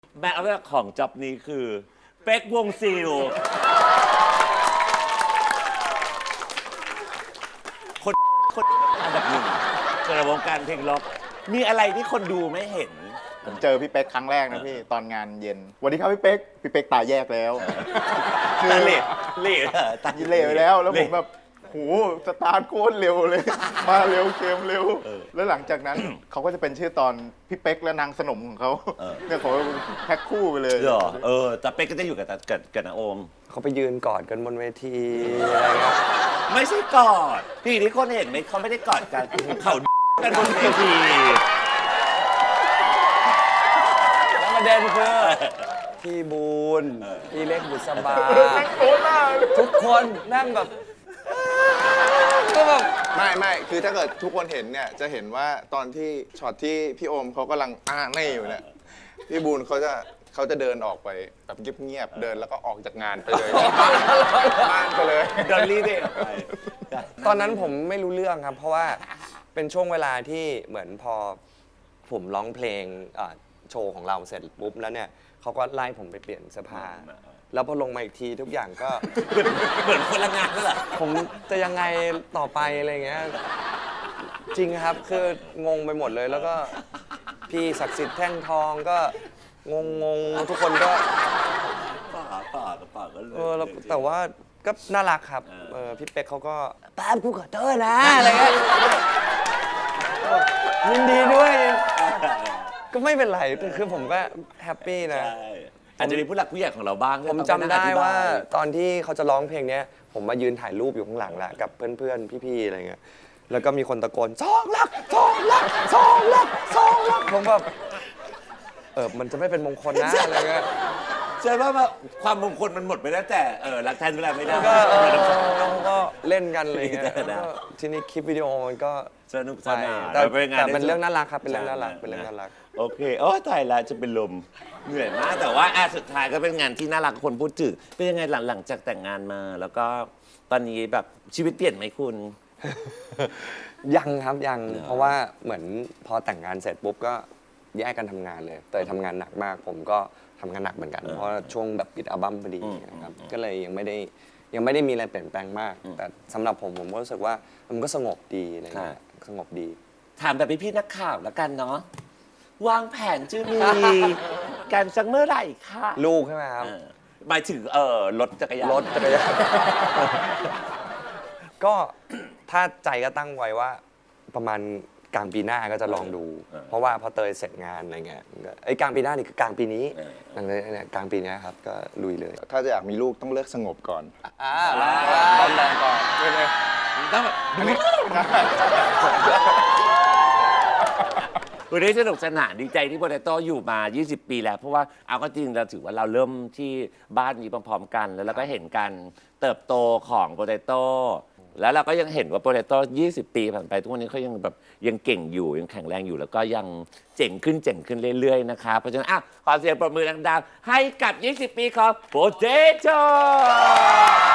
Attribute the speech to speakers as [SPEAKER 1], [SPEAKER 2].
[SPEAKER 1] แม้ว่าของจ็อบนี้คือเป๊กวงซิลคนอันดับหนึ่งในวงการเพลงล็อกมีอะไรที่คนดูไม่เห็น
[SPEAKER 2] ผมเจอพี่เป๊กครั้งแรกนะพี่ตอนงานเย็นสวัสดีครับพี่เป๊กตายแยกแล้ว
[SPEAKER 1] ตาเล่
[SPEAKER 2] ตายเล่ไปแล้วผมแบบโหสตาร์ทโคตรเร็วเลยมาเร็วเกมเร็วแล้วหลังจากนั้นเขาก็จะเป็นชื่อตอนพี่เป๊กและนางสนมของเขาเนี่ยเขาแพ็คคู่ไปเลย
[SPEAKER 1] เหรอแต่เป๊กก็จะอยู่กับนาโอม
[SPEAKER 3] เขาไปยืนกอดกันบนเวทีอะไรเงี้ย
[SPEAKER 1] ไม่ใช่กอดพี่ที่คนเห็นไหมเขาไม่ได้กอดกันเขากันบนเวที
[SPEAKER 3] แล้วประเด็นคือพี่บูนพี่เล็กบุษบาทุกคนนั่งแบบก็แบบ
[SPEAKER 4] ไม่คือถ้าเกิดทุกคนเห็นเนี่ยจะเห็นว่าตอนที่ช็อตที่พี่โอมเขากำลังไม่อยู่เนี่ยพี่บูนเขาจะเดินออกไปแบบเงียบๆเดินแล้วก็ออกจากงานไปเลยบ้านไปเลย
[SPEAKER 1] เดินรีบไป
[SPEAKER 3] ตอนนั้นผมไม่รู้เรื่องครับเพราะว่าเป็นช่วงเวลาที่เหมือนพอผมร้องเพลงโชว์ของเราเสร็จปุ๊บแล้วเนี่ยเขาก็ไล่ผมไปเปลี่ยนเสื้อผ้าแล้วพอลงมาอีกทีทุกอย่างก็
[SPEAKER 1] เหมือนคนละงานนั่นแหละ
[SPEAKER 3] ผมจะยังไงต่อไปอะไรเงี้ยจริงครับคืองงไปหมดเลยแล้วก็พี่ศักดิ์สิทธิ์แท่งทองก็งงทุกคนก็
[SPEAKER 1] ป่าก็เลย
[SPEAKER 3] แต่ว่าก็น่ารักครับพี่เป๊กเขาก็แป๊บกูขอโทษนะอะไรเงี้ยยินดีด้วยก็ไม่เป็นไรคือผมก็แฮปปี้นะ
[SPEAKER 1] อาจจะมีผู้หลักผู้ใหญ่ของเราบ้าง
[SPEAKER 3] ผมจำได้ว่าตอนที่เขาจะร้องเพลงนี้ผมมายืนถ่ายรูปอยู่ข้างหลังแหละกับเพื่อนๆพี่ๆอะไรเงี้ยแล้วก็มีคนตะโกน2 ลักผมแบบมันจะไม่เป็นมงคลนะอะไรเงี้ย
[SPEAKER 1] ใช่ว่าความมงคลมันหมดไปแล้วแต่รักแทนเวลาไม่ได้
[SPEAKER 3] ก็เล่นกันอะไรเงี้ยทีนี้คลิปวิดีโอมันก็
[SPEAKER 1] สนุกสนาน
[SPEAKER 3] แต่เป็นเรื่องน่ารักครับเป็นเรื่องน่ารัก
[SPEAKER 1] โอเคตายละจะเป็นลมเหนื่อยมากแต่ว่าสุดท้ายก็เป็นงานที่น่ารักคนพูดถึงเป็นยังไงหลังจากแต่งงานมาแล้วก็ตอนนี้แบบชีวิตเปลี่ยนไหมคุณ
[SPEAKER 3] ยังครับยังเพราะว่าเหมือนพอแต่งงานเสร็จปุ๊บก็แยกกันทำงานเลยเตยทำงานหนักมากผมก็ทำงานหนักเหมือนกันเพราะช่วงแบบปิดอัลบั้มพอดีนะครับก็เลยยังไม่ได้มีอะไรเปลี่ยนแปลงมากแต่สำหรับผมก็รู้สึกว่ามันก็สงบดีอะไรเงี้ยสงบดี
[SPEAKER 1] ถามแบบพี่นักข่าวแล้วกันเนาะวางแผนจะมีการสักเมื่อไหร่คะ
[SPEAKER 3] ลูกใช่ไหมครับ
[SPEAKER 1] หมายถึงรถจักรยาน
[SPEAKER 3] ก็ถ้าใจก็ตั้งไว้ว่าประมาณกลางปีหน้าก็จะลองดูเพราะว่าพอเตยเสร็จงานอะไรเงี้ยกลางปีหน้านี่คือกลางปีนี้กลางปีนี้ครับก็ลุยเลย
[SPEAKER 4] ถ้าจะอยากมีลูกต้องเลิกสงบก่อน
[SPEAKER 3] ตอนแรกก่อน
[SPEAKER 1] ต้องแบบวันนี้สนุกสนานดีใจที่โปเตโต้อยู่มา20 ปีแล้วเพราะว่าเอาก็จริงเราถือว่าเราเริ่มที่บ้านนี้พร้อมๆกันแล้วเราก็เห็นการเติบโตของโปเตโต้แล้วเราก็ยังเห็นว่าโปเตโต้20 ปีผ่านไปทุกวันนี้เขายังแบบยังเก่งอยู่ยังแข็งแรงอยู่แล้วก็ยังเจ๋งขึ้นเรื่อยๆนะคะเพราะฉะนั้นขอเสียงปรบมือดังๆให้กับ20 ปีของโปเตโต้